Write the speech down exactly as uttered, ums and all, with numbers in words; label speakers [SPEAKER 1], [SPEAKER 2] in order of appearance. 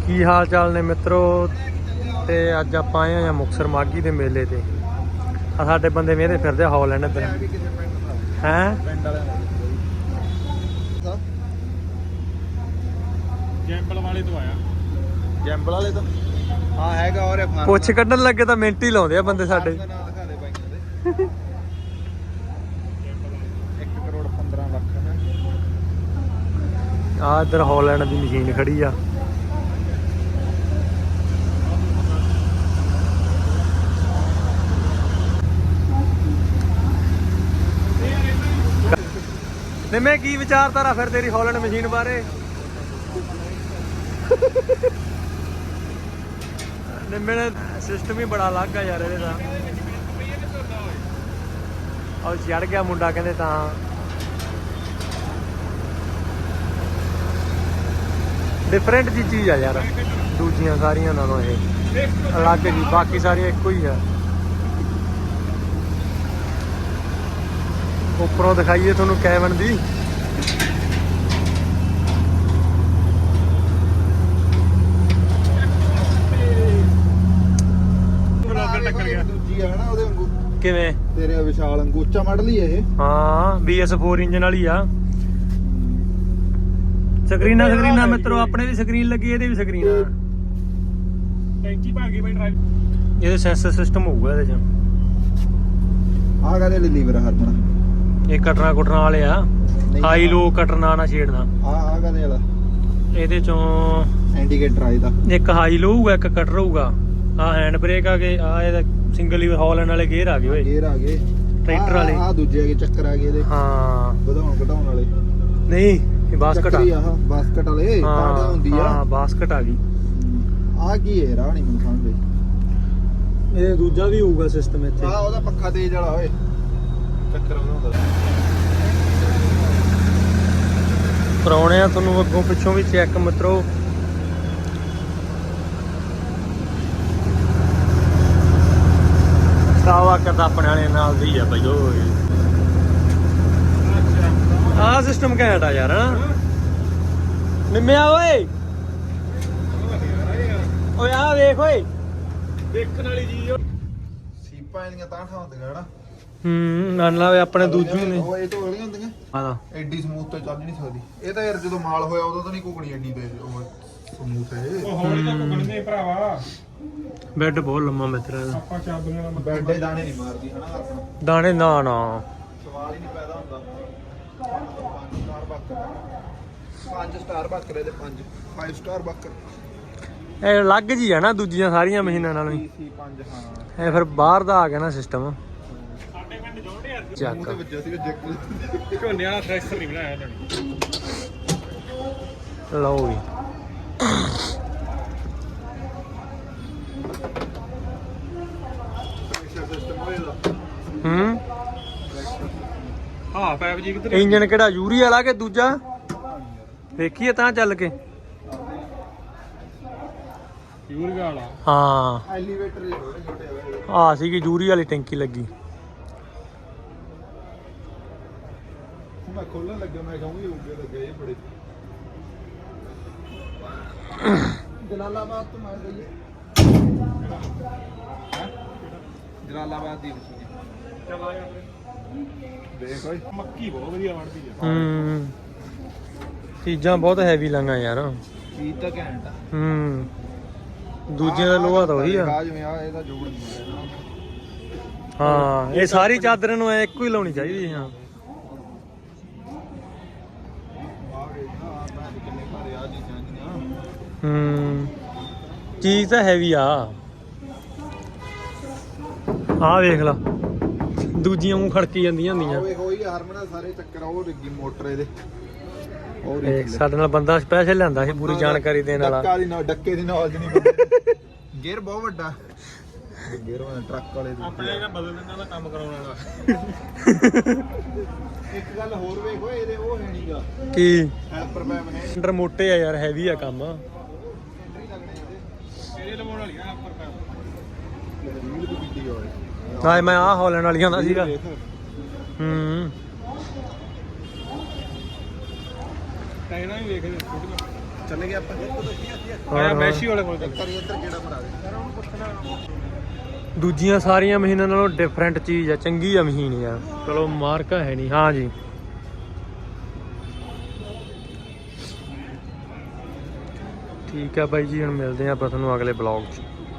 [SPEAKER 1] ਕੀ ਹਾਲ ਚਾਲ ਨੇ ਮਿੱਤਰੋ। ਤੇ ਅੱਜ ਆਪਾਂ ਆਏ ਆ ਮੁਕਤਸਰ ਮਾਘੀ ਦੇ ਮੇਲੇ ਤੇ। ਆ ਸਾਡੇ ਬੰਦੇ ਵੇਹਦੇ ਫਿਰਦੇ ਹੌਲੈਂਡ ਇੱਧਰ ਹੈ।
[SPEAKER 2] ਜੈਂਬਲ ਵਾਲੇ ਤੋਂ ਆਇਆ।
[SPEAKER 3] ਜੈਂਬਲ ਵਾਲੇ ਤੋਂ ਹਾਂ ਹੈਗਾ। ਔਰ
[SPEAKER 1] ਪੁੱਛ ਕੱਢਣ ਲੱਗੇ ਤਾਂ ਮਿੰਟ ਹੀ ਲਾਉਂਦੇ ਆ ਬੰਦੇ ਸਾਡੇ।
[SPEAKER 3] ਇੱਕ ਕਰੋੜ ਪੰਦਰਾਂ ਲੱਖ
[SPEAKER 1] ਆ ਇੱਧਰ ਹੌਲੈਂਡ ਦੀ ਮਸ਼ੀਨ ਖੜੀ ਆ। ਨਿੰਮੇ ਕੀ ਵਿਚਾਰਧਾਰਾ ਫਿਰ ਤੇਰੀ ਹੌਲੈਂਡ ਮਸ਼ੀਨ ਬਾਰੇ? ਨਿੰਮੇ ਨੇ ਸਿਸਟਮ ਹੀ ਬੜਾ ਅਲੱਗ ਆ ਯਾਰ ਇਹਦੇ ਦਾ। ਉਹ ਚੜ ਗਿਆ ਮੁੰਡਾ ਕਹਿੰਦੇ ਤਾਂ। ਡਿਫਰੈਂਟ ਜੀ ਚੀਜ਼ ਆ ਯਾਰ ਦੂਜੀਆਂ ਸਾਰੀਆਂ ਨਾਲੋਂ। ਇਹ ਅਲੱਗ ਜੀ, ਬਾਕੀ ਸਾਰੀਆਂ ਇੱਕੋ ਹੀ ਆ। ਉੱਪਰੋਂ ਦਿਖਾਈਏ ਤੁਹਾਨੂੰ ਕੈਬਨ ਦੀ।
[SPEAKER 2] ਟੱਕਰ ਗਿਆ
[SPEAKER 3] ਦੂਜੀ ਆ ਨਾ ਉਹਦੇ ਵਾਂਗੂ।
[SPEAKER 1] ਕਿਵੇਂ?
[SPEAKER 3] ਤੇਰੇ ਵਿਸ਼ਾਲ ਅੰਗੂਚਾ ਮਾਡਲ ਹੀ ਇਹ।
[SPEAKER 1] ਹਾਂ ਬੀ ਐਸ ਫੋਰ ਇੰਜਨ ਵਾਲੀ ਆ। ਸਕਰੀਨਾਂ ਸਕਰੀਨਾਂ ਮਿੱਤਰੋ ਆਪਣੇ ਦੀ ਸਕਰੀਨ ਲੱਗੀ, ਇਹਦੇ ਵੀ ਸਕਰੀਨ ਆ।
[SPEAKER 2] ਟੈਂਕੀ ਭਰ ਗਈ ਬਈ ਡਰਾਈਵ।
[SPEAKER 1] ਇਹਦੇ ਸੈਂਸਰ ਸਿਸਟਮ ਹੋਊਗਾ ਇਹਦੇ ਚ।
[SPEAKER 3] ਆਹ ਕਾਹਦੇ ਲਈ ਲੀਵਰ ਆ ਹਰਮਨ?
[SPEAKER 1] ਇਹ ਕਟਰਾਂ ਕੁਟਰਾਂ ਵਾਲੇ ਆ। ਹਾਈ ਲੋ ਕਟਰਨਾ ਨਾ ਛੇੜਨਾ।
[SPEAKER 3] ਆਹ ਆਹ ਕਾਹਦੇ ਵਾਲਾ?
[SPEAKER 1] ਇਹਦੇ ਚੋਂ
[SPEAKER 3] ਇੰਡੀਕੇਟਰ ਆ ਇਹਦਾ।
[SPEAKER 1] ਇੱਕ ਹਾਈ ਲੋ ਹੋਊਗਾ, ਇੱਕ ਕਟਰ ਹੋਊਗਾ। ਆਹ ਹੈਂਡ ਬ੍ਰੇਕ ਆ ਗਏ। ਆ ਇਹਦਾ ਸਿੰਗਲ ਲੀਵਰ ਹੌਲੈਂਡ ਵਾਲੇ ਗੇਅਰ ਆ ਗਏ ਓਏ।
[SPEAKER 3] ਗੇਅਰ ਆ ਗਏ
[SPEAKER 1] ਟਰੈਕਟਰ ਵਾਲੇ।
[SPEAKER 3] ਆਹ ਦੂਜੇ ਆ ਗਏ ਚੱਕਰ ਆ ਗਏ ਇਹਦੇ।
[SPEAKER 1] ਹਾਂ
[SPEAKER 3] ਵਧਾਉਣ ਘਟਾਉਣ ਵਾਲੇ
[SPEAKER 1] ਨਹੀਂ, ਇਹ ਬਾਸਕਟ ਆ।
[SPEAKER 3] ਚੱਕਰੀ ਆਹ ਬਾਸਕਟ ਵਾਲੇ ਕਾਟਾ ਹੁੰਦੀ ਆ।
[SPEAKER 1] ਹਾਂ ਬਾਸਕਟ ਆ ਗਈ।
[SPEAKER 3] ਆਹ ਕੀ ਹੈ ਰਾਹ ਨਹੀਂ ਮੈਨੂੰ ਸਮਝ ਆਈ।
[SPEAKER 1] ਇਹ ਦੂਜਾ ਵੀ ਹੋਊਗਾ ਸਿਸਟਮ ਇੱਥੇ।
[SPEAKER 3] ਆਹ ਉਹਦਾ ਪੱਖਾ ਤੇਜ਼ ਵਾਲਾ ਓਏ। ਚੱਕਰ ਉਹਦਾ ਹੁੰਦਾ।
[SPEAKER 1] ਕਰਾਉਣੇ ਆ ਤੁਹਾਨੂੰ ਅੱਗੋਂ ਪਿੱਛੋਂ ਵੀ ਚੈੱਕ ਮਿੱਤਰੋ। ਸਾਵਾ ਕਰਦਾ ਆਪਣੇ ਵਾਲੇ ਨਾਲ ਦੀ ਆ ਬਈ। ਓਏ ਆਹ ਸਿਸਟਮ ਘੈਂਟ ਆ ਯਾਰ। ਨਿੰਮਿਆ ਓਏ ਓਏ ਆਹ ਵੇਖ ਓਏ।
[SPEAKER 2] ਦੇਖਣ ਵਾਲੀ ਚੀਜ਼।
[SPEAKER 3] ਸੀਪਾਂ ਇਹਦੀਆਂ ਤਾਂ ਠਾਂ ਹੁੰਦੀਆਂ ਹਨਾ।
[SPEAKER 1] ਹੂੰ ਮੰਨ ਲਾ ਵੇ ਆਪਣੇ ਦੂਜੇ ਨੇ।
[SPEAKER 3] ਉਹ ਇਹ ਤੋਂ ਅਗਲੀਆਂ ਹੁੰਦੀਆਂ
[SPEAKER 1] ਆਦਾ
[SPEAKER 3] ਐਡੀ ਸਮੂਥ ਤੇ ਚੱਲ ਨਹੀਂ ਸਕਦੀ ਇਹ ਤਾਂ। ਯਾਰ ਜਦੋਂ ਮਾਲ ਹੋਇਆ ਉਦੋਂ ਤਾਂ ਨਹੀਂ ਘੁਗਣੀ ਐਡੀ ਤੇ ਉਹ ਸਮੂਥ ਹੈ।
[SPEAKER 2] ਉਹ ਹੌਲੀ ਤਾਂ ਘੁੰਮਣਗੇ ਭਰਾਵਾ।
[SPEAKER 1] ਬੈੱਡ ਬਹੁਤ ਲੰਮਾ ਮਿੱਤਰ ਇਹਦਾ।
[SPEAKER 2] ਆਪਾਂ ਚਾਬੀਆਂ ਨਾਲ
[SPEAKER 3] ਬੈਡੇ ਦਾਣੇ ਨਹੀਂ ਮਾਰਦੀ ਹਨਾ ਆਪਣਾ।
[SPEAKER 1] ਦਾਣੇ ਨਾ ਨਾ
[SPEAKER 3] ਸਵਾਲ ਹੀ ਨਹੀਂ ਪੈਦਾ ਹੁੰਦਾ। ਪੰਜ ਸਟਾਰ ਬੱਕਰ ਪੰਜ ਸਟਾਰ ਬੱਕਰ ਇਹਦੇ ਪੰਜ ਪੰਜ ਸਟਾਰ ਬੱਕਰ।
[SPEAKER 1] ਇਹ ਅਲੱਗ ਜੀ ਆ ਨਾ ਦੂਜੀਆਂ ਸਾਰੀਆਂ ਮਸ਼ੀਨਾਂ ਨਾਲੋਂ ਹੀ।
[SPEAKER 3] ਸੀ ਪੰਜ ਹਾਂ।
[SPEAKER 1] ਇਹ ਫਿਰ ਬਾਹਰ ਦਾ ਆ ਗਿਆ ਨਾ ਸਿਸਟਮ।
[SPEAKER 2] ਸਾਡੇ ਪਿੰਡ ਜੋੜੇ ਆ।
[SPEAKER 1] ਚੱਕ
[SPEAKER 3] ਮੂੰਹ ਤੇ ਵੱਜਿਆ ਸੀਗਾ ਜੈਕ।
[SPEAKER 2] ਝੋਨੇ ਵਾਲਾ ਥ੍ਰੈਸ਼ਰ ਨਹੀਂ ਬਣਾਇਆ ਇਹਨਾਂ ਨੇ।
[SPEAKER 1] ਲਓ ਵੀ
[SPEAKER 3] ਸਿਸਟਮ ਹੋਏਗਾ।
[SPEAKER 1] ਹੂੰ
[SPEAKER 2] ਹਾਂ ਪਾਈਪ ਜੀ ਕਿੱਧਰ?
[SPEAKER 1] ਇੰਜਨ ਕਿਹੜਾ ਯੂਰੀ ਵਾਲਾ ਕਿ ਦੂਜਾ? ਵੇਖੀਏ ਤਾਂ ਚੱਲ ਕੇ।
[SPEAKER 2] ਯੂਰੀਆ ਵਾਲਾ।
[SPEAKER 1] ਹਾਂ
[SPEAKER 3] ਐਲੀਵੇਟਰ ਦੇ ਛੋਟੇ ਛੋਟੇ ਹੋਏ।
[SPEAKER 1] ਆ ਸੀਗੀ ਯੂਰੀ ਵਾਲੀ ਟੈਂਕੀ ਲੱਗੀ।
[SPEAKER 3] ਮੈਂ ਖੋਲਣ ਲੱਗਾ ਮੈਂ ਕਹੂੰਗੀ ਉੱਗੇ ਲੱਗੇ ਇਹ ਬੜੇ। ਜਲਾਲਾਬਾਦ ਤੋਂ ਮਾਰ ਗਈ ਹੈ। ਜਲਾਲਾਬਾਦ ਦੀ ਮਸ਼ੀਨ
[SPEAKER 2] ਚੱਲ ਆ ਯਾਰ
[SPEAKER 3] ਦੇਖ ਓਏ।
[SPEAKER 2] ਮੱਕੀ ਬਹੁਤ ਵਧੀਆ ਬਣਦੀ ਆ।
[SPEAKER 1] ਹੂੰ ਚੀਜ਼ਾਂ ਬਹੁਤ ਹੈਵੀ ਲੰਗਾ ਯਾਰ।
[SPEAKER 3] ਚੀਜ਼ ਤਾਂ ਘੈਂਟ ਆ।
[SPEAKER 1] ਹੂੰ ਦੂਜਿਆਂ ਦਾ ਲੋਹਾ ਤਾਂ ਉਹੀ ਆ।
[SPEAKER 3] ਆ ਜਿਵੇਂ ਆ ਇਹਦਾ ਜੋੜ ਨਹੀਂ ਹੋਇਆ।
[SPEAKER 1] ਹਾਂ ਇਹ ਸਾਰੀ ਚਾਦਰ ਨੂੰ ਐ ਇੱਕੋ ਹੀ ਲਾਉਣੀ ਚਾਹੀਦੀ। ਹਾਂ
[SPEAKER 3] ਕਿੰਨੇ ਭਾਰੇ ਆ ਜੀ ਜਾਂਦੀਆਂ।
[SPEAKER 1] ਹੂੰ ਚੀਜ਼ ਤਾਂ ਹੈਵੀ ਆ। ਆ ਵੇਖ ਲਾ ਦੂਜੀਆਂ ਮੂੰਹ ਖੜਕੀ ਜਾਂਦੀਆਂ ਹੁੰਦੀਆਂ।
[SPEAKER 3] ਓਏ ਹੋਈ ਹਰਮਨ ਸਾਰੇ ਚੱਕਰ ਉਹ ਲੱਗੀ ਮੋਟਰ ਇਹਦੇ। ਉਹ
[SPEAKER 1] ਇਹ ਸਾਡੇ ਨਾਲ ਬੰਦਾ ਸਪੈਸ਼ਲ ਲਿਆਂਦਾ ਸੀ ਪੂਰੀ ਜਾਣਕਾਰੀ ਦੇਣ ਵਾਲਾ।
[SPEAKER 3] ਡੱਕਾ ਦੀ ਨਾ ਡੱਕੇ ਦੀ ਨੌਲੇਜ ਨਹੀਂ। ਗੇਅਰ ਬਹੁਤ ਵੱਡਾ। ਗੇਅਰ ਵਾਲਾ ਟਰੱਕ ਵਾਲੇ ਦੀ।
[SPEAKER 2] ਆਪਣੇ ਇਹਦਾ ਬਦਲ ਦਿੰਦਾ ਦਾ ਕੰਮ ਕਰਾਉਣ ਵਾਲਾ।
[SPEAKER 3] ਇੱਕ ਗੱਲ ਹੋਰ ਵੇਖ ਓਏ ਇਹਦੇ ਉਹ ਹੈ ਨਹੀਂਗਾ
[SPEAKER 1] ਕੀ
[SPEAKER 3] ਹੈਲਪਰ ਪੈਪ ਨੇ।
[SPEAKER 1] ਅੰਡਰ ਮੋਟੇ ਆ ਯਾਰ, ਹੈਵੀ ਆ ਕੰਮ।
[SPEAKER 2] ਇਹਦੇ ਲਵਾਉਣ ਵਾਲੀਆਂ ਉੱਪਰ ਪੈਪ।
[SPEAKER 3] ਰੀਲ ਦੀ ਵੀਡੀਓ ਹੋਏ
[SPEAKER 1] ਨਾ ਮੈਂ ਆਹ ਹੌਲੈਂਡ ਵਾਲੀਆਂ ਦਾ ਸੀਗਾ। ਹੂੰ
[SPEAKER 2] ਟਾਇਰਾਂ ਵੀ ਵੇਖਦੇ ਛੋਟੀਆਂ।
[SPEAKER 3] ਚੱਲ ਗਏ ਆਪਾਂ
[SPEAKER 1] ਹੋਰ
[SPEAKER 2] ਮੈਸ਼ੀ ਵਾਲੇ ਕੋਲ
[SPEAKER 3] ਇੱਕ ਵਾਰੀ ਇੱਧਰ ਕਿਹੜਾ ਮਰਾ ਦੇ
[SPEAKER 1] ਦੂਜੀਆਂ ਸਾਰੀਆਂ ਮਸ਼ੀਨਾਂ ਨਾਲੋਂ ਡਿਫਰੈਂਟ ਚੀਜ਼ ਆ, ਚੰਗੀ ਆ ਮਸ਼ੀਨ ਯਾਰ। ਚਲੋ ਮਾਰਕਾ ਹੈ ਨਹੀਂ। ਹਾਂ ਜੀ ਠੀਕ ਆ ਬਾਈ ਜੀ, ਹੁਣ ਮਿਲਦੇ ਆ ਆਪਾਂ ਤੁਹਾਨੂੰ ਅਗਲੇ ਬਲੌਗ 'ਚ।